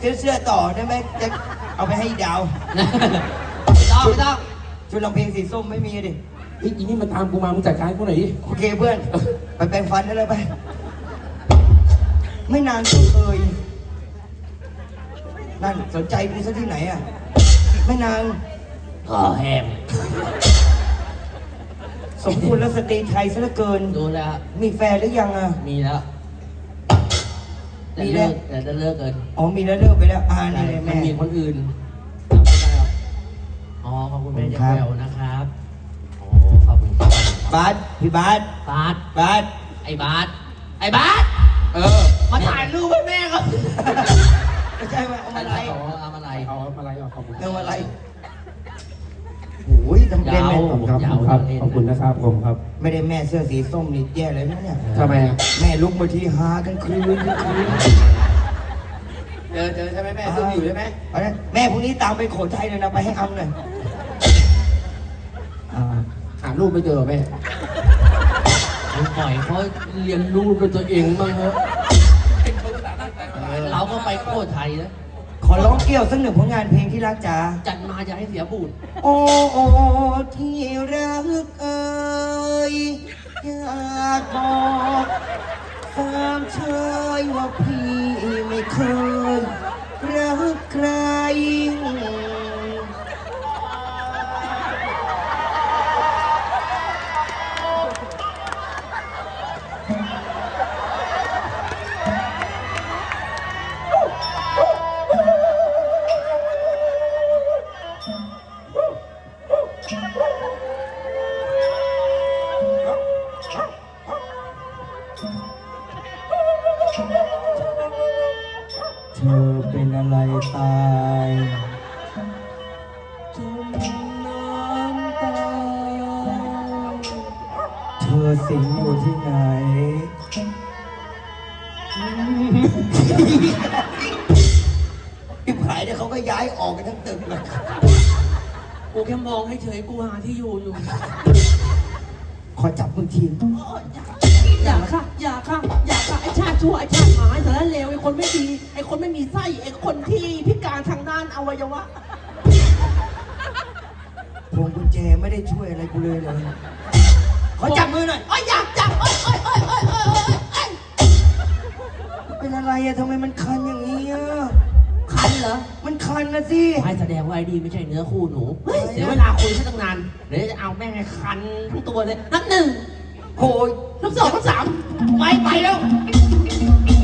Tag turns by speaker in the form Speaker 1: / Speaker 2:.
Speaker 1: ซื้อเสื้อต่อได้ไหมจะเอาไปให้ดาว
Speaker 2: ไม่ต้อง
Speaker 1: ชุดร้องเพลงสีส้มไม่มีดิ
Speaker 3: อีนี่มันตามกูมามึงจัดการกูหน่อยดิ
Speaker 1: โอเคเพื่อนไปแปรงฟันได้เลยไปไม่นานก็เคยนั่นสนใจกูซะที่ไหนอ่ะไม่นาน
Speaker 2: ก็แหม
Speaker 1: สมควรแล้วสตรีไทยซะเหลือเกิน
Speaker 2: ดูแล้ว
Speaker 1: มีแฟนหรือยังอ่ะ
Speaker 2: มีแล้ว
Speaker 1: มีแล้ว
Speaker 2: แต่จะเลิกกัน
Speaker 1: อ๋อมีแล้วเลิกไปแล้วนี่เลยแม่
Speaker 2: มีคนอื่นไม่ได้หรอกอ๋อขอบคุณแม่เจ้าแก้วนะครับโอ้ขอบคุณครับ
Speaker 1: บาสพี่บาส
Speaker 2: บาสไอ้บาสมาถ่ายรูปให้แม่ก็
Speaker 1: ไม่ใช่ว่าเอาอะไร
Speaker 2: เอา
Speaker 3: ขอบคุณ
Speaker 1: เอาอะไรโอ้ยทำเป็นแม่
Speaker 3: ขอบคุณนะครับผมครับ
Speaker 1: ไม่ได้แม่เสื้อสีส้มนี่แย่เลยนะเนี่ย
Speaker 3: ทำไม
Speaker 1: แม่ลุกมาที่หากันคืน
Speaker 2: เจอใช่ไหมแม่ซุ่มอยู่ใช่ไหม
Speaker 1: แม่พรุ่งนี้ตามไปโขทัยเลยนะไปให้อ้ำเลย
Speaker 3: หารูปไม่เจอแม่
Speaker 2: ปล่อยเขาเรียนรู้เป็นตัวเองบ้างเถอะเราก็ไปโคตรไทยนะ
Speaker 1: ขอร้องเกี่ยวสักหนึ่งผลงานเพลงที่รักจ๋า
Speaker 2: จัดมาจะให้เสียบูด
Speaker 1: โอ้ที่รักเอ่ยอยากบอกความเชยว่าพี่ไม่เคยรักใครเธอเป็นอะไรตายจมน้ำตาเธอสิงอยู่ที่ไหนที่ขายเนี่ยเขาก็ย้ายออกกันทั้งตึกเลย
Speaker 2: กูแค่มองให้เฉยกูหาที่อยู่
Speaker 1: ขอจับมือที
Speaker 2: อย่าค่ะไอ้ชาติชั่วไอ้ชาติหมายสารเลวไอ้คนไม่ดีไอ้คนไม่มีไส้ไอ้คนที่พิการทางด้านอวัยวะ
Speaker 1: พวงกุญแจไม่ได้ช่วยอะไรกูเลยขอจับมือหน่อย
Speaker 2: อยากจับ
Speaker 1: เป็นอะไรอะทำไมมันคันอย่างนี้อะ
Speaker 2: คันเหรอ
Speaker 1: มันคันนะสิ
Speaker 2: ไม่แสดงว่าไอ้ดีไม่ใช่เนื้อคู่หนูเสียเวลาคุยซะตั้งนานเดี๋ยวจะเอาแม่งให้คันทั้งตัวเลยนับหนึ่ง
Speaker 1: โอ้ย
Speaker 2: นับสองนับสามไปแล้ว